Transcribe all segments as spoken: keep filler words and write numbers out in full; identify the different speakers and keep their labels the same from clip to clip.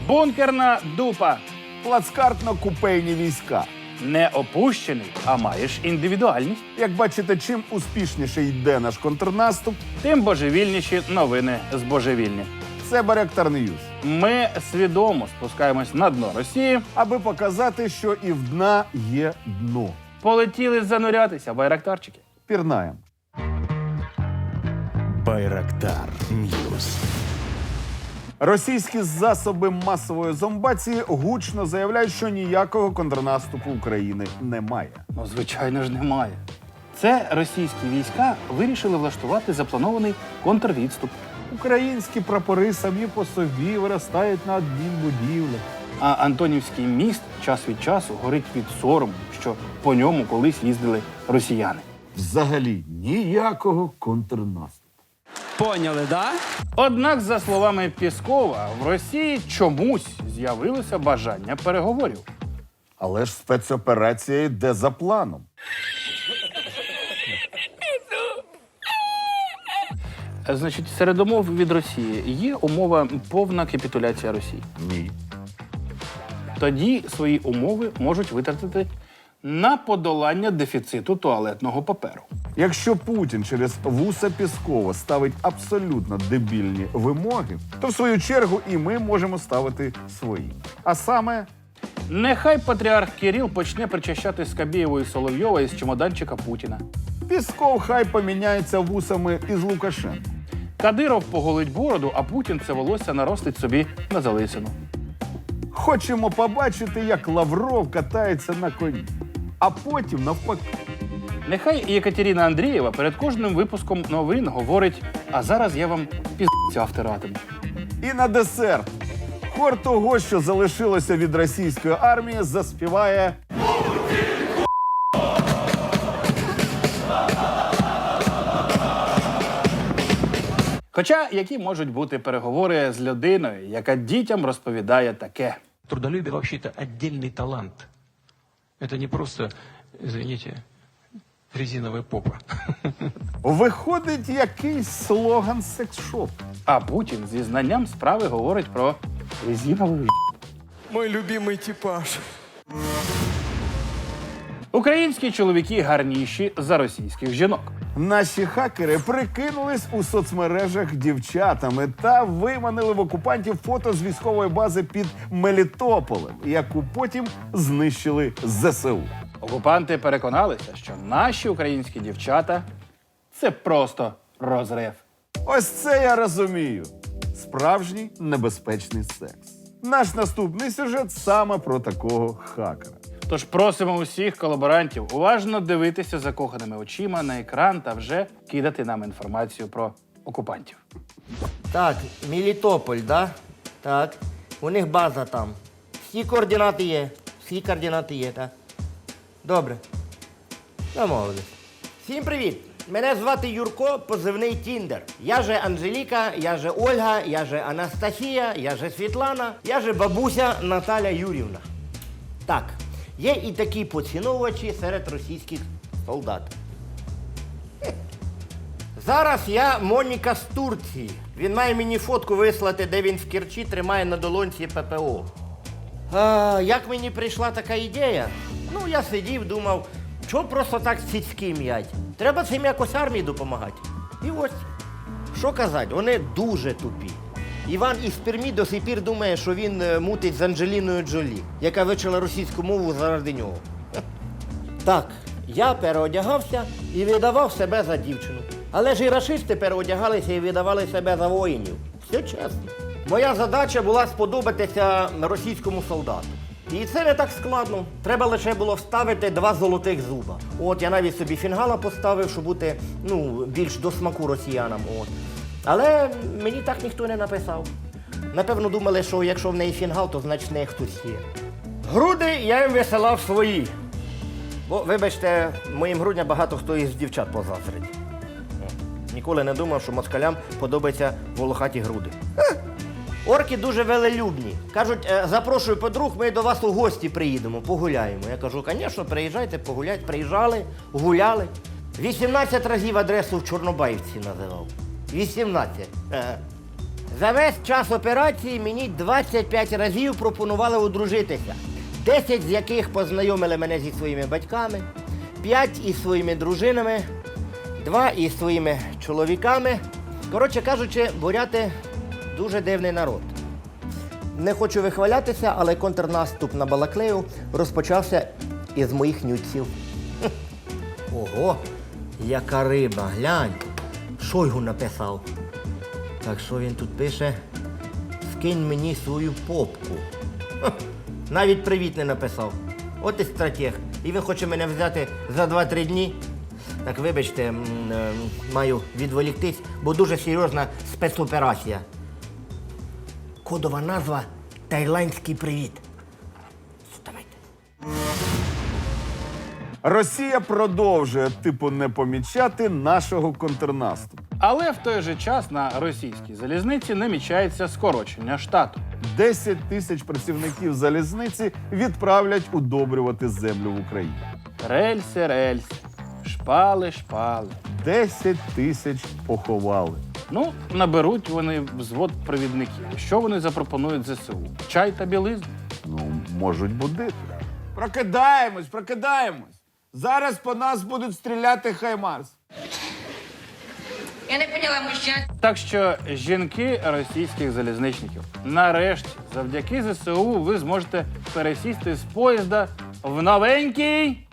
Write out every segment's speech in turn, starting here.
Speaker 1: Бункерна дупа.
Speaker 2: Плацкартно-купейні війська.
Speaker 1: Не опущений, а маєш індивідуальність.
Speaker 2: Як бачите, чим успішніше йде наш контрнаступ,
Speaker 1: Тим божевільніші новини з божевільні.
Speaker 2: це Байрактар Ньюс.
Speaker 1: Ми свідомо спускаємось на дно Росії.
Speaker 2: Аби показати, що і в дна є дно.
Speaker 1: Полетіли занурятися, байрактарчики.
Speaker 2: Пірнаєм.
Speaker 3: Байрактар Ньюс.
Speaker 2: Російські засоби масової зомбації гучно заявляють, що ніякого контрнаступу України немає.
Speaker 1: Ну, звичайно ж, немає. Це російські війська вирішили влаштувати запланований контрвідступ.
Speaker 2: Українські прапори самі по собі виростають на адмінбудівлях.
Speaker 1: А Антонівський міст час від часу горить від сорому, що по ньому колись їздили росіяни.
Speaker 2: Взагалі ніякого контрнаступу.
Speaker 4: Поняли, да?
Speaker 1: Однак, за словами Пєскова, в Росії чомусь з'явилося бажання переговорів.
Speaker 2: Але ж спецоперація йде за планом.
Speaker 1: Значить, серед умов від Росії є умова повна капітуляція Росії.
Speaker 2: Ні.
Speaker 1: Тоді свої умови можуть витратити на подолання дефіциту туалетного паперу.
Speaker 2: Якщо Путін через вуса Пєскова ставить абсолютно дебільні вимоги, то в свою чергу і ми можемо ставити свої. А саме,
Speaker 1: Нехай патріарх Кирил почне причащати Скабєєва і Соловйова із чемоданчика Путіна.
Speaker 2: Пєсков хай поміняється вусами із Лукашенко.
Speaker 1: Кадиров поголить бороду, а Путін це волосся наростить собі на залисину.
Speaker 2: Хочемо побачити, як Лавров катається на коні. А потім навпаки.
Speaker 1: Нехай Єкатерина Андрієва перед кожним випуском новин говорить: а зараз я вам піздця втиратиму.
Speaker 2: І на десерт. Хор того, що залишилося від російської армії, заспіває
Speaker 1: Хоча які можуть бути переговори з людиною, яка дітям розповідає таке.
Speaker 5: Трудолюбие вообще-то отдельный талант. Это не просто, извините, резиновая попа.
Speaker 2: Виходить якийсь слоган секс-шопу.
Speaker 1: А Путін зі знанням справи говорить про резинову й**.
Speaker 4: Мой любимый типаж.
Speaker 1: Українські чоловіки гарніші за російських жінок.
Speaker 2: Наші хакери прикинулись у соцмережах дівчатами та виманили в окупантів фото з військової бази під Мелітополем, яку потім знищили зе се у.
Speaker 1: Окупанти переконалися, що наші українські дівчата – це просто розрив.
Speaker 2: Ось це я розумію. Справжній небезпечний секс. Наш наступний сюжет саме про такого хакера.
Speaker 1: Тож просимо усіх колаборантів уважно дивитися закоханими очима на екран та вже кидати нам інформацію про окупантів.
Speaker 6: Так, Мелітополь, да? Так. У них база там. Всі координати є. Всі координати є, так? Добре. Домовились. Всім привіт! Мене звати Юрко, позивний Тіндер. Я же Анжеліка, я же Ольга, я же Анастасія, я же Світлана, я же бабуся Наталя Юрівна. Так, є і такі поціновувачі серед російських солдат. Зараз я Моніка з Турції. Він має мені фотку вислати, де він в Керчі тримає на долонці пе пе о. А, як мені прийшла така ідея? Ну, я сидів, думав, чого просто так цицьки м'ять? Треба цим якось армії допомагати. І ось, що казати, вони дуже тупі. Іван із Пермі до сих пір думає, що він е, мутить з Анджеліною Джолі, яка вивчила російську мову заради нього. Так, я переодягався і видавав себе за дівчину. Але ж і рашисти переодягалися і видавали себе за воїнів. Все чесно. Моя задача була сподобатися російському солдату. І це не так складно. Треба лише було вставити два золотих зуба. От я навіть собі фінгала поставив, щоб бути ну, більш до смаку росіянам. От. Але мені так ніхто не написав. Напевно, думали, що якщо в неї фінгал, то значить в неї хтось є. Груди я їм висилав свої. Бо, вибачте, моїм грудням багато хто із дівчат позазрить. Ніколи не думав, що москалям подобаються волохаті груди. Ха! Орки дуже велелюбні. Кажуть, запрошую подруг, ми до вас у гості приїдемо, погуляємо. Я кажу, звісно, приїжджайте, погуляйте. Приїжджали, гуляли. вісімнадцять разів адресу в Чорнобаївці називав. вісімнадцять. Ага. За весь час операції мені двадцять п'ять разів пропонували одружитися. десять з яких познайомили мене зі своїми батьками, п'ять із своїми дружинами, два із своїми чоловіками. Коротше кажучи, буряти дуже дивний народ. Не хочу вихвалятися, але контрнаступ на Балаклею розпочався із моїх нюців. Хм. Ого, яка риба, глянь. Шойгу написав. Так що він тут пише? Скинь мені свою попку. Хм. Навіть привіт не написав. От і стратег. І він хоче мене взяти за два-три дні. Так, вибачте, м, е, маю відволіктись, бо дуже серйозна спецоперація. Кодова назва «Таїландський привіт». Давайте.
Speaker 2: Росія продовжує типу не помічати нашого контрнаступу.
Speaker 1: Але в той же час на російській залізниці намічається скорочення штату.
Speaker 2: десять тисяч працівників залізниці відправлять удобрювати землю в Україні.
Speaker 1: Рельси, рельси, шпали, шпали.
Speaker 2: десять тисяч поховали.
Speaker 1: Ну, наберуть вони взвод провідників. Що вони запропонують ЗСУ? Чай та білизну?
Speaker 2: Ну, можуть будити.
Speaker 7: Прокидаємось, прокидаємось. Зараз по нас будуть стріляти Хаймарс.
Speaker 8: Я не поняла, мужчина.
Speaker 1: Так що, жінки російських залізничників, нарешті, завдяки ЗСУ ви зможете пересісти з поїзда в новенький.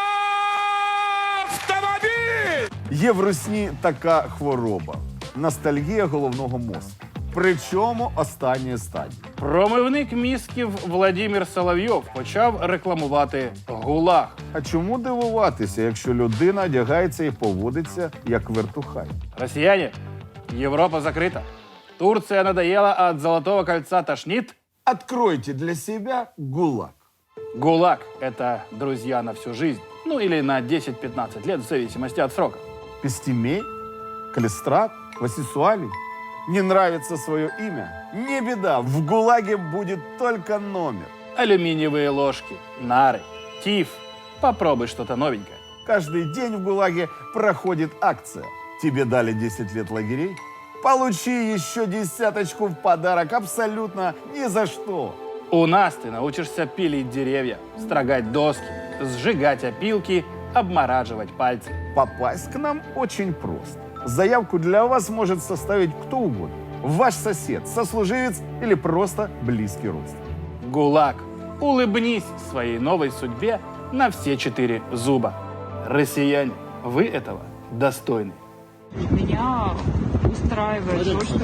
Speaker 2: Є в русні така хвороба – ностальгія головного мозку. Причому останньої стадії.
Speaker 1: Промивник мізків Владимир Соловйов почав рекламувати ГУЛАГ.
Speaker 2: А чому дивуватися, якщо людина одягається і поводиться як вертухай?
Speaker 1: Россияне, Европа закрыта. Турция надоела, а от Золотого кольца тошнит.
Speaker 2: Откройте для себя ГУЛАГ.
Speaker 1: ГУЛАГ – это друзья на всю жизнь. Ну или на десять-пятнадцать лет, в зависимости от срока.
Speaker 2: Пестемей? Калистрат? Васисуалий? Не нравится свое имя? Не беда, в ГУЛАГе будет только номер.
Speaker 1: Алюминиевые ложки, нары, тиф. Попробуй что-то новенькое.
Speaker 2: Каждый день в ГУЛАГе проходит акция. Тебе дали десять лет лагерей? Получи еще десяточку в подарок абсолютно ни за что.
Speaker 1: У нас ты научишься пилить деревья, строгать доски, сжигать опилки, обмораживать пальцы.
Speaker 2: Попасть к нам очень просто. Заявку для вас может составить кто угодно. Ваш сосед, сослуживец или просто близкий родственник.
Speaker 1: ГУЛАГ. Улыбнись своей новой судьбе на все четыре зуба. Россияне, вы этого достойны.
Speaker 9: Меня устраивает то, что...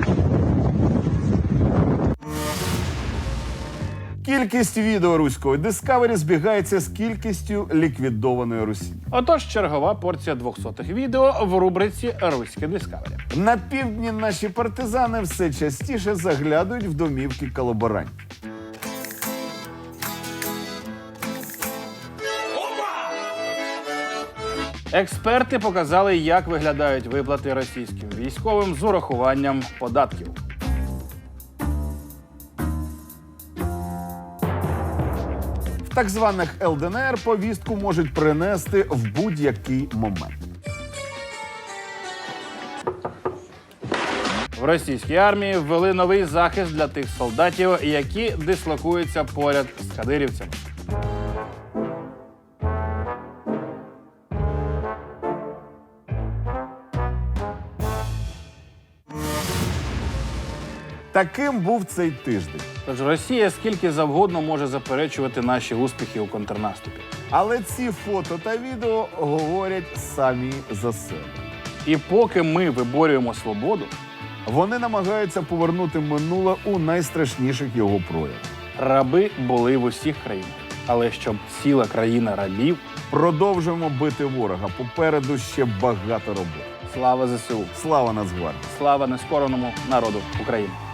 Speaker 2: Кількість відео руської Discovery збігається з кількістю ліквідованої Русі.
Speaker 1: Отож, чергова порція двохсотих відео в рубриці «Руське Дискавері».
Speaker 2: На півдні наші партизани все частіше заглядують в домівки колаборантів.
Speaker 1: Експерти показали, як виглядають виплати російським військовим з урахуванням податків.
Speaker 2: В так званих ел де ен ер повістку можуть принести в будь-який момент.
Speaker 1: В російській армії ввели новий захист для тих солдатів, які дислокуються поряд з кадирівцями.
Speaker 2: Таким був цей тиждень.
Speaker 1: Тож Росія скільки завгодно може заперечувати наші успіхи у контрнаступі.
Speaker 2: Але ці фото та відео говорять самі за себе.
Speaker 1: І поки ми виборюємо свободу,
Speaker 2: Вони намагаються повернути минуле у найстрашніших його проявах.
Speaker 1: раби були в усіх країнах. Але щоб ціла країна рабів,
Speaker 2: Продовжуємо бити ворога. Попереду ще багато роботи.
Speaker 1: слава ЗСУ,
Speaker 2: Слава Нацгвардії!
Speaker 1: слава нескореному народу України.